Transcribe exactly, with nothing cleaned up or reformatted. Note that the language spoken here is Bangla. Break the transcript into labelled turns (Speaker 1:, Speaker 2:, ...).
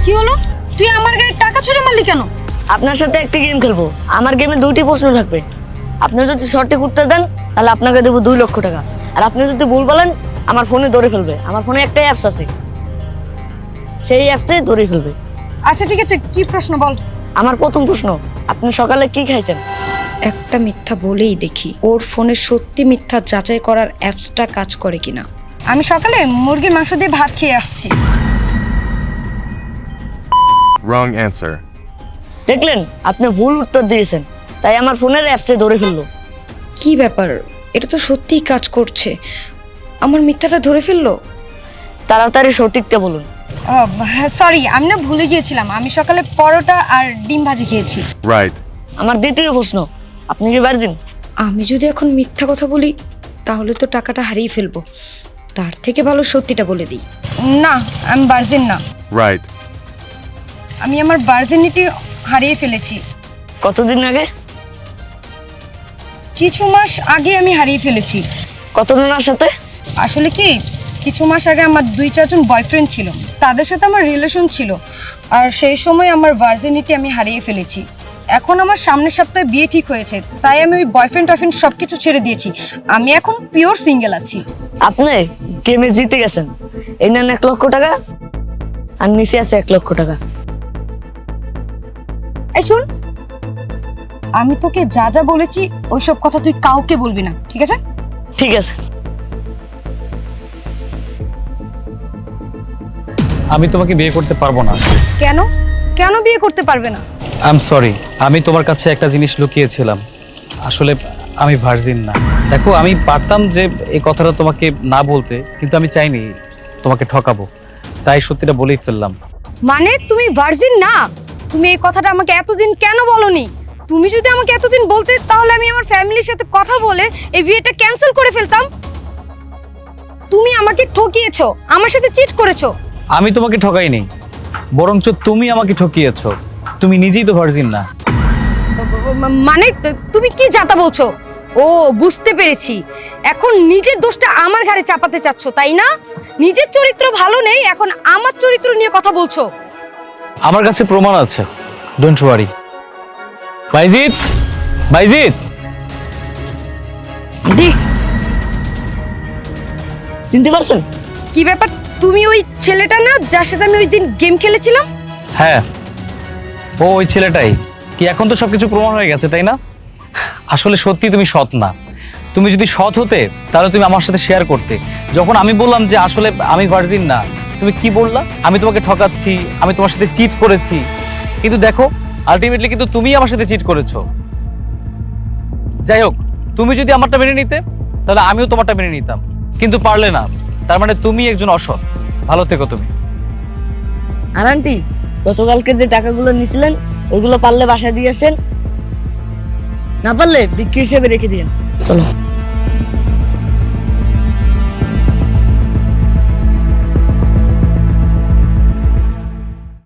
Speaker 1: কি হলো? তুই আমার গায়ে টাকা ছুঁড়ে মারলি কেন?
Speaker 2: আপনার সাথে একটা গেম খেলবো। আমার গেমে দুইটি প্রশ্ন থাকবে। আপনি যদি সঠিক উত্তর দেন তাহলে আপনাকে দেবো দুই লক্ষ টাকা, আর আপনি যদি ভুল বলেন আমার ফোনে ধরে ফেলবে। আমার ফোনে একটা অ্যাপস আছে, সেই অ্যাপসে ধরে ফেলবে।
Speaker 1: আচ্ছা ঠিক আছে, কি প্রশ্ন বল।
Speaker 2: আমার প্রথম প্রশ্ন, আপনি সকালে কি খাইছেন?
Speaker 1: একটা মিথ্যা বলেই দেখি ওর ফোনে সত্যি মিথ্যা যাচাই করার অ্যাপসটা কাজ করে কিনা। আমি সকালে মুরগির মাংস দিয়ে ভাত খেয়ে আসছি।
Speaker 3: Wrong answer.
Speaker 2: দেখলেন, আপনি ভুল উত্তর দিয়েছেন, তাই আমার ফোনের অ্যাপসে ধরে ফেললো।
Speaker 1: কি ব্যাপার, এটা তো সত্যিই কাজ করছে। আমার মিথ্যাটা ধরে ফেললো।
Speaker 2: তাড়াতাড়ি সঠিকটা বলুন।
Speaker 1: সরি, আমি না ভুলে গিয়েছিলাম। আমি সকালে পরোটা আর ডিম ভাজি খেয়েছি।
Speaker 3: Right.
Speaker 2: আমার দ্বিতীয় প্রশ্ন, আপনি কি ভার্জিন?
Speaker 1: আমি যদি এখন মিথ্যা কথা বলি তাহলে তো টাকাটা হারিয়ে ফেলবো। তার থেকে ভালো সত্যিটা বলে দিই। না, আমি ভার্জিন না।
Speaker 3: Right.
Speaker 1: আমি আমার ভার্জিনিটি হারিয়ে ফেলেছি।
Speaker 2: কতদিন আগে?
Speaker 1: কিছু মাস আগে আমি হারিয়ে ফেলেছি।
Speaker 2: কতজনের সাথে?
Speaker 1: আসলে কি, কিছু মাস আগে আমার দুই চারজন বয়ফ্রেন্ড ছিল, তাদের সাথে আমার রিলেশন ছিল, আর সেই সময় আমার ভার্জিনিটি আমি হারিয়ে ফেলেছি। এখন আমার সামনের সপ্তাহে বিয়ে ঠিক হয়েছে, তাই আমি ওই বয়ফ্রেন্ড টয়ফ্রেন্ড সব কিছু ছেড়ে দিয়েছি। আমি এখন পিওর সিঙ্গেল আছি।
Speaker 2: আপনি গেমে জিতে গেছেন। এই নেন এক লক্ষ টাকা, আর নিচে আছে এক লক্ষ টাকা।
Speaker 1: এই শোন, আমি তোকে যা যা বলেছি ওইসব কথা তুই কাউকে বলবি না, ঠিক আছে?
Speaker 2: ঠিক আছে।
Speaker 4: আমি তোমাকে বিয়ে করতে পারবো না।
Speaker 1: কেন কেন বিয়ে করতে পারবে না?
Speaker 4: আই এম সরি, আমি তোমার কাছে একটা জিনিস লুকিয়েছিলাম। আসলে আমি ভার্জিন না। দেখো, আমি পারতাম যে এই কথাটা তোমাকে না বলতে, কিন্তু আমি চাইনি তোমাকে ঠকাবো, তাই সত্যিটা বলেই ফেললাম।
Speaker 1: মানে তুমি ভার্জিন না? তুমি এই কথাটা আমাকে এতদিন কেন বলনি? তুমি যদি আমাকে এতদিন বলতে তাহলে আমি আমার ফ্যামিলির সাথে কথা বলে এই বিয়েটা ক্যান্সেল করে ফেলতাম। তুমি আমাকে ঠকিয়েছো, আমার সাথে চিট করেছো।
Speaker 4: আমি তোমাকে ঠকাইনি, বরঞ্চ তুমি আমাকে ঠকিয়েছো। তুমি নিজেই তো ভার্জিন না।
Speaker 1: মানে তুমি কি যাতা বলছো? ও, বুঝতে পেরেছি। এখন নিজের দোষটা আমার ঘাড়ে চাপাতে চাচ্ছ, তাই না? নিজের চরিত্র ভালো নেই, এখন আমার চরিত্র নিয়ে কথা বলছো।
Speaker 4: আমার কাছে প্রমাণ আছে, ডোন্ট ওয়ারি। বাইজিৎ, বাইজিৎ,
Speaker 2: আন্টি, চিনতে পারছেন?
Speaker 1: কি ব্যাপার, তুমি ওই ছেলেটা না যার সাথে আমি ওই দিন গেম খেলেছিলাম?
Speaker 4: হ্যাঁ, ও ওই ছেলেটাই। কি এখন তো সবকিছু প্রমাণ হয়ে গেছে, তাই না? আসলে সত্যি তুমি সৎ না। তুমি যদি সৎ হতে তাহলে তুমি আমার সাথে শেয়ার করতে। যখন আমি বললাম যে আসলে আমি ভার্জিন না, তুমি কি বললা? আমি তোমাকে ঠকাচ্ছি, আমি তোমার সাথে চিট করেছি। কিন্তু দেখো, আলটিমেটলি কিন্তু তুমি আমার সাথে চিট করেছো। যাই হোক, তুমি যদি আমারটা মেনে নিতে তাহলে আমিও তোমারটা মেনে নিতাম, কিন্তু পারলে না। তার মানে তুমি একজন অসৎ। ভালো থেকো তুমি।
Speaker 2: আর আন্টি, গতকালকে যে টাকাগুলো নিছিলেন ওইগুলো পারলে বাসায় দিয়ে আসেন, না পারলে বিক্রি হিসেবে রেখে দিন। চলো।